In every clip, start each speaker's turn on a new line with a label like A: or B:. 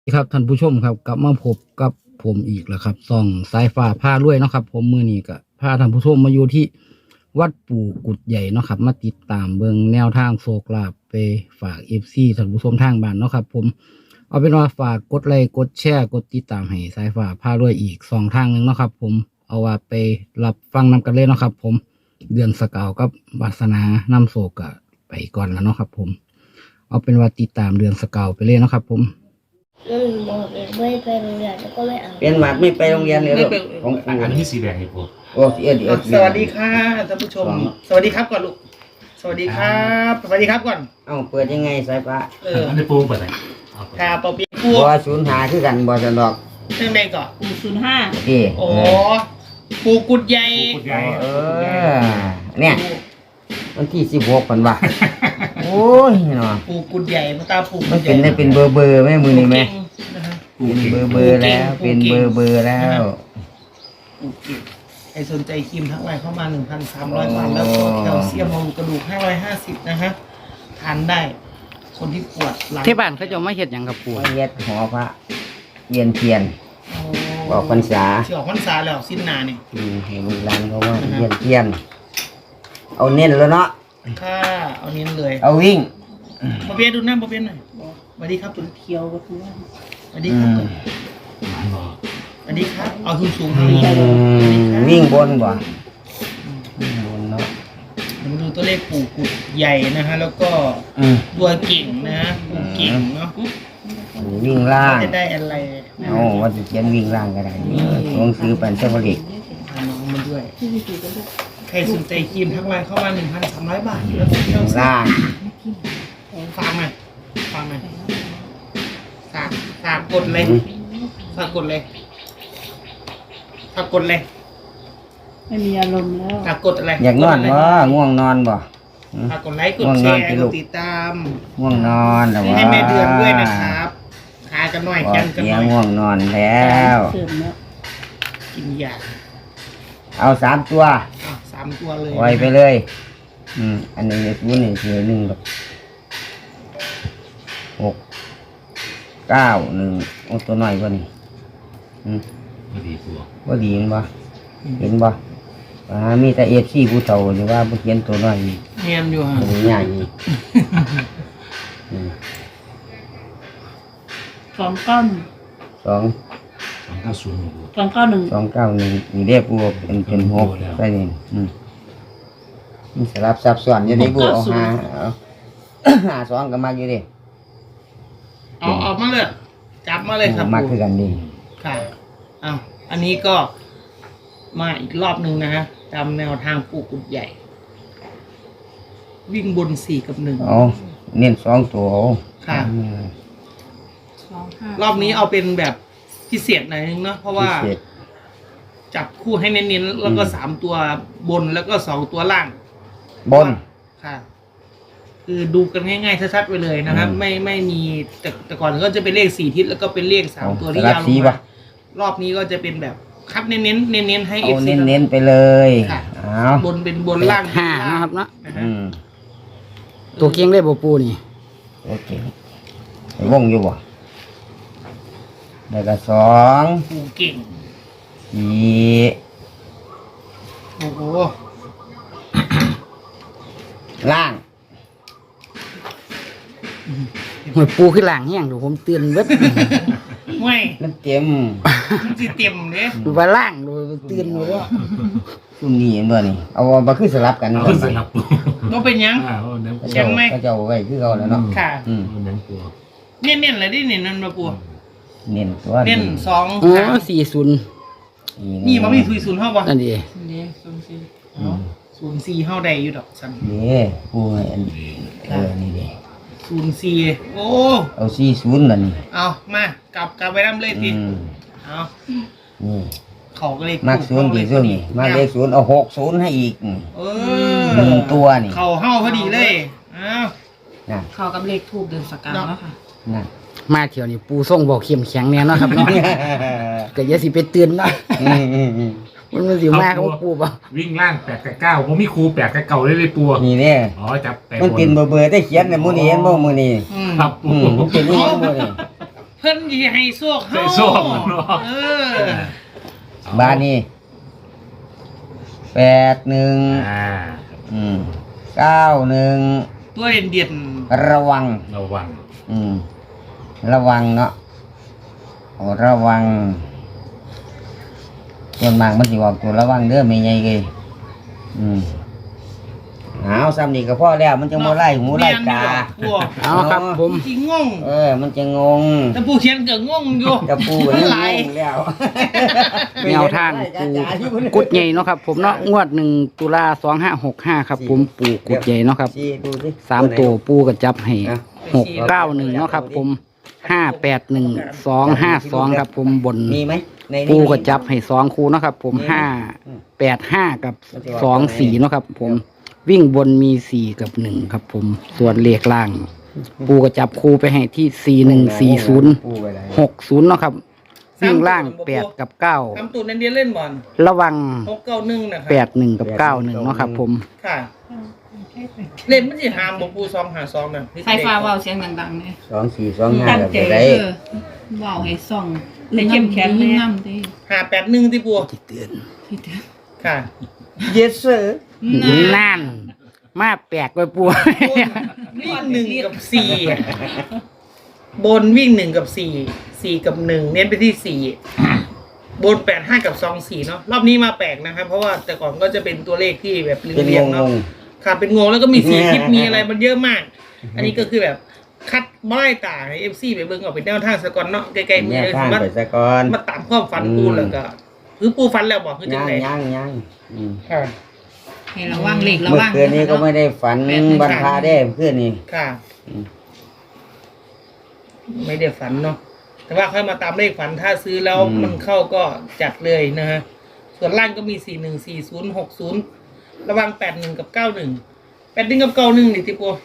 A: ครับท่านผู้ชมครับกลับมาพบกับผมอีกแล้วครับส่องสายฟ้าผ้ารวยเนาะครับผมมือนี้ก็พาท่านผู้ชมมาอยู่ที่วัดปู่กุดใหญ่เนาะครับมาติดตามเบิงแนวทางโชคลาภไปฝากFCท่านผู้ชมทางบ้านเนาะครับผมเอาเป็นว่าฝากกดไลค์กดแชร์กดติดตามให้สายฟ้าผ้ารวยอีก2 ทางหนึ่งเนาะครับผมเอาว่าไปรับฟังนำกันเลยเนาะครับผมเดือนสกาวกับวาสนานำโศกก็ไปก่อนแล้วเนาะครับผมเอาเป็นว่าติดตามเดือนสกาวไปเลยเนาะครับผม
B: บอกเลยไม่ไปโรงเรียนแล้วก็ไม่เอา
C: เป็นหมัดไม่ไปโรงเรียนเลยลูกของครู
D: อันนี้สีแดงให้ผม
C: โอ้เอ็ด
E: สวัสดีค่ะท่านผู้ชม สวัสดีครับก่อนลูก สวัสดีครับ สวัสดีครับก่อน
C: เอ้าเปิดยังไงสายฟ้า
D: อันนี้ปูเปิดไหน
E: ค่ะปอปีปู
C: บ่ศูนย์หาคือกันบ่สนดอก
E: เรื่องใดก่อน
C: เอ้
E: โอ้ปูกุดใหญ่
D: ปูใหญ่
C: เออเนี่ยวันที่16ปันว่าโอ้ยเนาะ
E: ปูกุดใหญ่มาตาปู
C: มันเป็นได้เป็นเบอร์แม่มือนี่แม่
E: นะฮะ
C: เป็นเบอร์แล้วเป็นเบอร์แล้ว
E: ปูเก่งใครสนใจครีมทั้งไลน์เข้ามา 1,300 บาทแล้วก็แคลเซียมบำรุงกระดูก550นะฮะทานได้ คนที่ปวดหลัง
A: ที่บ้านเขาจะมาเฮ็ดหยังกับปู่
C: เฮ็ดหอพระเวียนเทียนบอกพรรษา
E: ที่ออกพรรษาแล้วสิ้นนาเนี่ย
C: ให้ลูกหลานเขาว่าเวียนเทียน เอาเน้นแล้วเนาะ
E: ค่ะเอาเน้นเลย
C: เอาวิ่ง
E: ปอเปียดูหน้าปอเปียหน่อยสวัสดีครับคุณเคียวก็คือสวัสดีครับสวัสดีครับเอาสูงสูงๆครับ
C: วิ่งบนบ่วิ่งบนเนาะ
E: มาดูตัวเลขปู่กุดใหญ่นะฮะแล้วก็ตัวเก่งนะฮะปู่เก่งเนาะ
C: อันนี้วิ่งล่าง
E: จะได้อะไรนะ
C: เอาว่าจะเขียนวิ่งล่างก็ได้ลงซื้อปันเจ้าผลิต
E: พาน้องมาด้วยใครสนใจครีมทักไลน์เข้ามา 1,300 บาทแล้วก็เที่ยว
C: ล่าง
E: ฟังหน่อยฝากกดเลยฝากกดเลยฝากกดเลย
B: ไม่มีอารมณ์แล้ว
E: ฝากกดอะไร
C: อยากนอนบ่ง่วงนอนบ่
E: ฝากกดไลค์กดแชร์กดติดตาม
C: ง่วงนอนแต่ว่า
E: ให้แม่เดือนด้วยนะครับหากันหน่อย
C: บอ
E: แข่
C: ก
E: งกัน
C: เสี
E: ห
C: ย
E: น่อย
C: ง่วงนอนแล้ว
B: เสริมแล้ว
E: กินยา
C: เอา3 ตัว
E: 3 ตัวเลย
C: ไว้ไปเลยอันนี้ศูนย์นี่คือ1แบบ6 9 1โอ้ตัวน้อยกว่านี่
D: พอดีปู
C: ว่าดีมั้ยบ่เห็นบ่มีแต่FCผู้เฒ่าหรือว่าบ่เขียนตัวน้อยนี่
E: เนียนอยู่ฮะ
C: ตัวใหญ่นี่
B: 291
C: สอง
D: 290
B: 291
C: 291นี่เรียกปูเป็น6ได้นี่มันสลับซับซ้อนอยู่นี่ปูเอาหา2ก็มาอยู่ดิ
E: เอามาเลยจับมาเลยครับ
C: มาคือกันดิ
E: ค่ะเอาอันนี้ก็มาอีกรอบหนึ่งนะฮะตามแนวทางปู่กุดใหญ่ วิ่งบน4 กับ 1
C: เอาเน้น2ตัวเอา
E: ค่ะ รอบนี้เอาเป็นแบบพิเศษหน่อยนึงเนาะเพราะว่า
C: พิเศษ
E: จับคู่ให้เน้นๆแล้วก็3 ตัวบนแล้วก็2 ตัวล่าง
C: บน
E: ค่ะ คือดูกันง่ายๆชัดๆไปเลยนะครับ ไม่มีแต่ก่อนก็จะเป็นเลข4 ทิศแล้วก็เป็นเลข3 ตัวที่ยาวลงมารอบนี้ก็จะเป็นแบบคัดเน้นให้
C: เอา
E: FC
C: เน้นๆไปเลย
E: ค่ะ
C: เอา
E: บนเป็นบนล่าง
A: ห้านะครับเนาะ
E: นะฮะ
A: ตัวเก่งได้บ่ปู่นี่
C: โอเคไอ้วงอยู่บ่แล้วก็2
E: ปู่เก่ง
C: 4
E: โอ้โห
C: ล่าง
A: หวยปู่ขึ้นหลังแห้งเดี๋ยวผมเตือนเบิด
E: ห่วย
C: มันเต็ม
E: มันสิเต็มเนี่ย
A: ดูว่าล่างดูเตือนไว้ว่า
C: ซุ่มนี่เห็นบ่นี่เอามาคือสลับกัน
D: เอาสลับปู
E: ก็เป็นยัง
D: น้ำปู
E: ยังไม่
C: ก็จะเอาไว้คือเขาแล้วเนาะ
E: ค่ะ
D: น้ำปู
E: เน้นๆเลยดิเน้นนั่นมาปู่
C: เน้นตัว
E: เน้น2
A: อ๋อ
E: 3นี่มันมี0 เท่าบ่
A: นั่นดี
E: 04เท่าใดอยู่ดอกสัน
C: นี่ผู้ให้อันนี่ดิ
E: 04โอ้
C: เอา40นั่นนี่
E: เอามากลับไปน้ำเลยทีเอา
C: นี่
E: เขาก็เลย
C: มักศูนย์กี่ศูนย์นี่มักเลข0เอา60ให้อีก
E: เอ
C: 1ตัวนี่
E: เขาเห่าพอดีเลยเอา
C: นั่น
B: เข้ากับเลขทูบเดือนสกาวแล้วค่ะ
C: นั่น
A: มาเที่ยวนี่ปู่ส่งบอกเข้มแข็งแน่เนาะครับเนาะก็อย่าสิไปเตือนเนาะมันสิมาของปู่บ่
D: วิ่งล่าง8 กับ 9ผมมีครู8 กับ 9เลยปู
C: นี่เด้
D: อ๋อจับแต่
C: มันเป็นเบอร์ได้เขียนในมื้อนี้เห็นบ่มื้อนี้
E: อืม
D: ครับปู
C: มันเป็นนี่มื้อนี้
E: เพิ่นสิให้โชคเฮา
D: ใส่โชคเนาะ
E: เออ
C: บ้านนี้81
D: อ่า
C: 91
E: ตัวเด่น
C: ระวัง
D: ระวัง
C: ระวังเนาะโอ้ระวังส่วนมากมันสิบอกตัวระวังเด้อไม่ใหญ่เลยเอาซ้ำนี่ก็พอแล้วมันจะโมไล่หูไล่ตา
E: บัว
A: เอาครับผม
E: จริงงง
C: มันจะงง
E: แต่ผู้เขียนก็งงอยู่
C: จะปูแล้ว
E: หลาย
C: งงแล้ว
A: แนวทางปูกุดใหญ่เนาะครับผมเนาะงวด1 ตุลา2565ครับผมปูกุดใหญ่เนาะครับ
C: ชี้ดูสิ
A: 3 ตัวปูก็จับให้
C: อ่ะ
A: 691เนาะครับผม581 252ครับผมบน
C: มีไหมในนี้
A: ปูก็จับให้2คู่เนาะครับผม585กับ24เนาะครับผมวิ่งบนมี4กับ1ครับผมส่วนเลขล่าง ปูก็จับคู่ไปให้ที่4140
C: ปูไปไหน
A: 60เนาะครับวิ่งล่าง8กับ
E: ทำตูดนันเดียนเล่นบอล
A: 9ระวัง
E: 691นะครับ
A: 81กับ91เนาะครับผม
E: ค่ะ เล่นมันสิหามบ่ปู252น่ะ
F: ไฟฟ้าเว้าเสียงดังๆเลย
C: 2425
F: ตั้ง
C: แบบ
F: ใจ
C: ได้
F: เว้าให้ส่อง
E: ให้เข้มแข็ง
F: ยิ่ง
E: แน่
F: น้ำดิ
E: 581ที่ปู
A: ที่เตือน
F: ที่เดียว
E: ค่ะ
C: yes sir
A: นั่นมาแปลกไปปู
E: วิ่ง1กับ4บนวิ่ง1กับ4กับ1เน้นไปที่4บน85กับ24เนาะรอบนี้มาแปลกนะครับเพราะว่าแต่ก่อนก็จะเป็นตัวเลขที่แบบ
C: เป็น
E: เรียง
C: ง
E: ๆเนาะ
C: ง
E: ค่ะเป็นงงแล้วก็มีสีคลิปมีอะไรมันเยอะมาก อันนี้ก็คือแบบคัดบ่ได้ต่างให้ FC ไปเบิ่งออกเป็นแนวทางสะก่อนเนาะใกล้ๆมื
C: เนี่
E: อย เลย
C: ข้าง
E: มา
C: ไปซะก่อน
E: มาตามความฝันปูแล้วก็คือปูฝันแล้วบอกคือจังได๋
C: ยังอืม
E: ค่ะ
F: ให้ระวังเหล็กระ
C: เมื่อ
F: วัง
C: คืนนี้ก็ไม่ได้ฝันบรรพาได้เพื่อนนี่
E: ค่ะ
C: อืม
E: ไม่ได้ฝันเนาะแต่ว่าค่อยมาตามเลขฝันถ้าซื้อแล้วมันเข้าก็จัดเลยนะฮะส่วนล่างก็มี414060ระวัง81กับ91กับ91นี่ที่ปู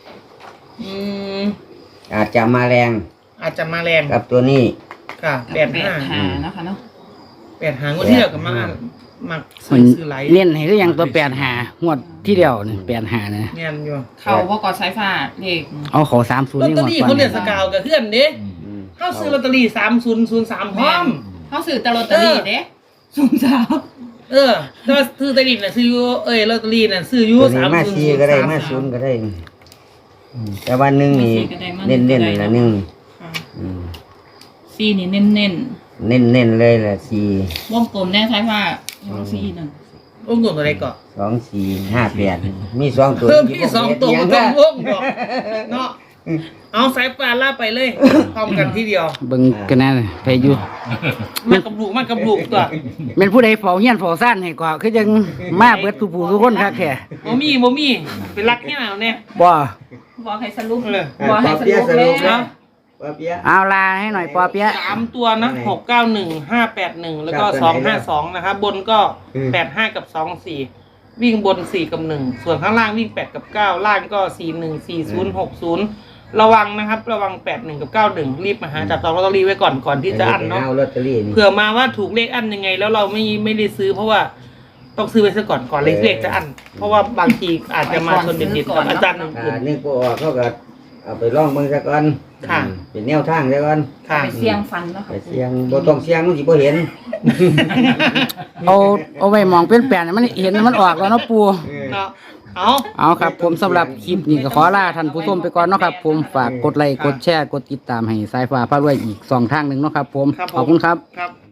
C: อาจจะมาแรง
E: อาจจะมาแรง
C: กับตัวนี้
E: ค่ะ
F: แปดหานะคะเนาะ
E: 85งวดที่แล้วก็มาซื้
A: มั
E: อน ซื้อไหล
A: เล่นให้ก็ยังตัว85งวดที่เดียวนี่85นะ
E: เนียนอยู่
F: เขาบ่กอดสายฟ้าเลข
A: เอาเขา30
E: ลอต
A: นี่
E: เตอง
A: วด
E: รี่
A: ก่อ
E: เขา
A: น
E: เรียนสกาวกับเพื่อนเด้
C: อืม
E: เขาซื้อลอตเตอรี่3003พร้อม
F: เขาซื้อแต่ลอตเตอรี่เด้สูงสาว
E: แต่ว่าซื้อลอตเตอรี่น่ะซื้ออยู่ลอตเตอรี่น่ะซื้ออยู่
C: ตัวนี้มาซีก็ได้มาศูนย์ก็ได้แต่วันหนึ่งนี่เน้นๆละหนึ่ง
F: ค่ะ
C: อืม
F: ซีนี่เน้น
C: เน้นเลยละ4
F: ๆวงกลมแน่สายฟ้าซีนั่น
E: วงกลมตัวใดก่อน
C: 2458มี2ตัว
E: เพิ่มพี่2ตัวบ่ต้องวงดอกเนาะเอาสายปลาล่าไปเลยพร้อมกันทีเดียว
A: เบิ่งกันนะไปอยู่
E: มากับลูกตัว
A: แม่นผู้ใดเฝ้าเฮียนเฝ้าซ่านให้ก็คือจังมาเบิดทุกผู้ทุกคนคักแท้
E: บ่มีเป็นรักแค่ไหนเอาเนี่ย
A: บ่
F: บอกให้สรุป
E: เลย
F: บอกให้สรุปเลย
E: เนาะ
C: ป้าเปียะ
A: เอาลาให้หน่อยปอเปี๊ยะ
E: 3ตัวนะ691581แล้วก็252นะครับบนก็85กับ24วิ่งบน4กับ1ส่วนข้างล่างวิ่ง8กับ9ล่างก็414060ระวังนะครับระวัง81กับ91รีบมาหาจับจองลอตเตอรี่ไว้ก่อนที่จะอั้นเนาะ
C: เอาลอตเตอรี่นี่
E: เผื่อมาว่าถูกเลขอั้นยังไง แล้วเราไม่ได้ซื้อเพราะว่าต้องซื้อไว้ซะก่อนเลขจะอั้นเพราะว่าบางทีอาจจะมาชนเด็ดๆกับอาจารย์หนึ่งกลุ่ม
C: นึกบ่ออกเขาก็เอาไปลองเบิ่งซะก่อน
E: ค่ะ
C: เป็นแนวทางซะก่อน
E: ค่ะ
F: ไปเสี่ยงฟันแล้ว
C: ไป
F: ค่ะ
C: เสียงบ่ต้องเสียงมันสิบ่เห็น
A: เอาไว้มองเป็นแปลนให้มันเห็นมันออกแล้วเนาะปู
E: เนาะเอา
A: เอาครับผมสำหรับคลิปนี้ก็ขอลาท่านผู้ชมไปก่อนเนาะครับผมฝากกดไลค์กดแชร์กดติดตามให้สายฟ้าพารวยอีก2ทางหนึงเนาะครับผมขอบคุณครับ
E: ครับ